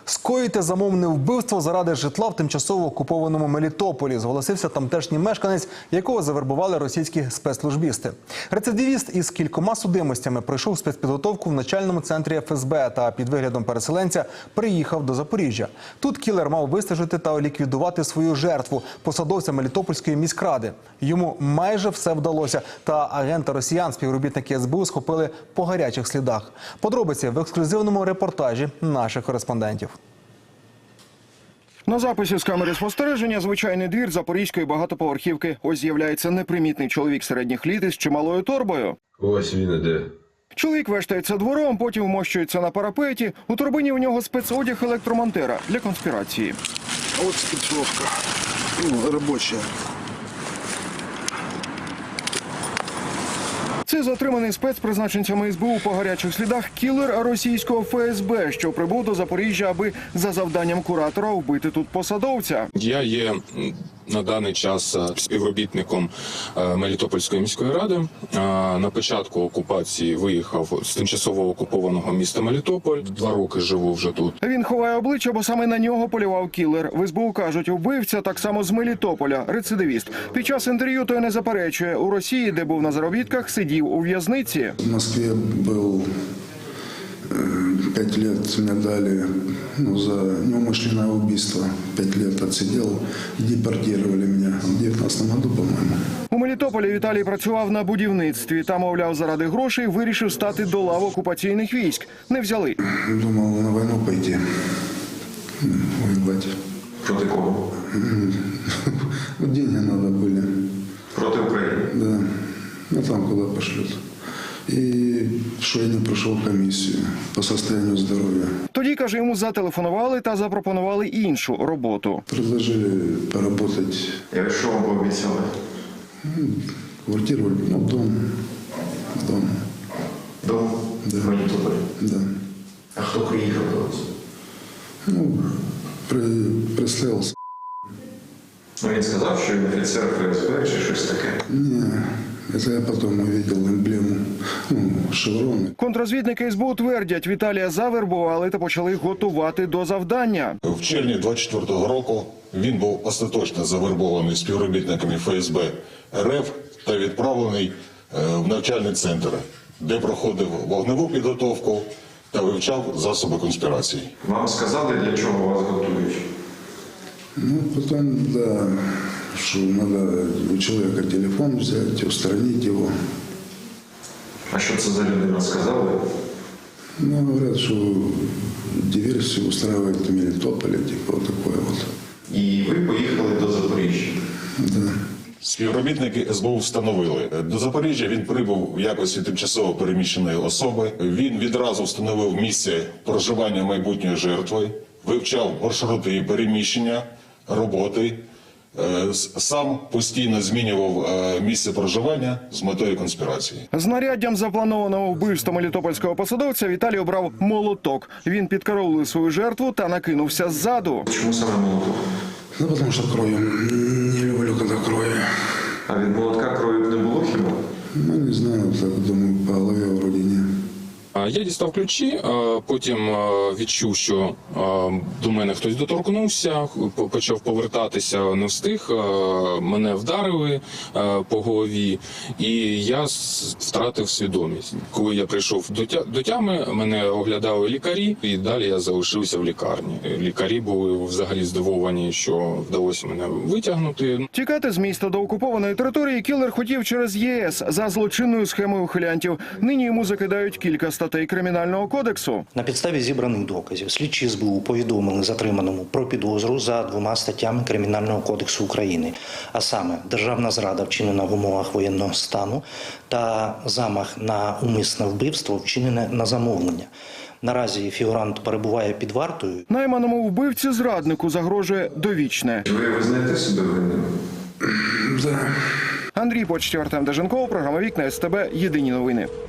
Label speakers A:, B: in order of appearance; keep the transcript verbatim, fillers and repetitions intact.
A: Скоїти замовне вбивство заради житла в тимчасово окупованому Мелітополі, зголосився тамтешній мешканець, якого завербували російські спецслужбісти. Рецидивіст із кількома судимостями пройшов спецпідготовку в начальному центрі еф ес бе та під виглядом переселенця приїхав до Запоріжжя. Тут кілер мав вистежити та ліквідувати свою жертву – посадовця Мелітопольської міськради. Йому майже все вдалося, та агента росіян співробітники ес бе у схопили по гарячих слідах. Подробиці в ексклюзивному репортажі наших кореспондентів.
B: На записі з камери спостереження звичайний двір запорізької багатоповерхівки. Ось з'являється непримітний чоловік середніх літ із чималою торбою.
C: Ось він іде.
B: Чоловік вештається двором, потім вмощується на парапеті. У торбині у нього спецодяг електромонтера для конспірації.
D: А от спецовка, ну, робоча.
B: Це затриманий спецпризначенцями ес бе у по гарячих слідах кілер російського еф ес бе, що прибув до Запоріжжя, аби за завданням куратора вбити тут посадовця.
E: Я є на даний час співробітником Мелітопольської міської ради. На початку окупації виїхав з тимчасово окупованого міста Мелітополь. Два роки живу вже тут.
B: Він ховає обличчя, бо саме на нього полював кілер. В ес бе у кажуть, вбивця так само з Мелітополя, рецидивіст. Під час інтерв'ю той не заперечує. У Росії, де був на заробітках, сидів у в'язниці.
D: В Москве был пять лет, мне дали ну, за неумышленное убийство. Пять лет отсидел, депортировали меня в девятнадцатом году, по-моему.
B: У Мелітополі Віталій працював на будівництві. Та, мовляв, заради грошей вирішив стати до лав окупаційних військ. Не взяли.
D: Думал на войну пойти, воевать.
C: Проти кого?
D: Деньги надо были.
C: Проти України?
D: Да. Ну там куда пошлют. И что я не прошел комиссию по состоянию здоровья.
B: Тоді, каже, йому зателефонували та запропонували іншу роботу.
D: Предложили поработать.
C: Я що вам пообіцяли?
D: Квартиру, ну, дом. Дом.
C: Дом?
D: Да.
C: В Мелітополі?
D: Да.
C: А хто приїхав до вас?
D: Ну, при, прислался.
C: Ну, він сказав, що він офіцер еф ес бе чи щось таке?
D: Не, это я потом увидел эмблему, ну, шевроны.
B: Контррозвідники ес бе у твердять, Віталія завербували та почали готувати до завдання.
F: В червні двадцять четвертого року він був остаточно завербований співробітниками еф ес бе ер еф та відправлений в навчальний центр, де проходив вогневу підготовку та вивчав засоби конспірації.
C: Вам сказали, для чого вас готують?
D: Ну, потом, да, что надо у человека телефон взять, устранить его.
C: А що це за людина сказали?
D: Ну, говорят, что диверсию устраивает в Мелитополе, типа вот такое вот.
C: І ви поїхали до Запоріжжя?
D: Да.
F: Співробітники ес бе у встановили. До Запоріжжя він прибув в якості тимчасово переміщеної особи. Він відразу встановив місце проживання майбутньої жертви, вивчав маршрути її переміщення, роботи. Сам постійно змінював місце проживання з метою конспірації.
B: Знаряддям запланованого вбивства мелітопольського посадовця Віталій обрав молоток. Він підкараулив свою жертву та накинувся ззаду.
C: Чому саме молоток?
D: Ну, потому что кровью. Не люблю, когда крови.
C: А від молотка крові не було хіба?
D: Ну, не знаю, так думаю, по голове вроде не.
E: Я дістав ключі, потім відчув, що до мене хтось доторкнувся, почав повертатися, не встиг, мене вдарили по голові, і я втратив свідомість. Коли я прийшов до тями, мене оглядали лікарі, і далі я залишився в лікарні. Лікарі були взагалі здивовані, що вдалося мене витягнути.
B: Тікати з міста до окупованої території кілер хотів через є ес за злочинною схемою ухилянтів. Нині йому закидають кілька статей Кримінального кодексу.
G: На підставі зібраних доказів слідчі ес бе у повідомили затриманому про підозру за двома статтями Кримінального кодексу України, а саме державна зрада, вчинена в умовах воєнного стану, та замах на умисне вбивство, вчинене на замовлення. Наразі фігурант перебуває під вартою.
B: Найманому вбивці зраднику загрожує довічне.
C: Ви визнаєте себе винним?
D: Да.
B: Андрій Почтєв, Артем Деженков, програма «Вікна ес те бе», єдині новини.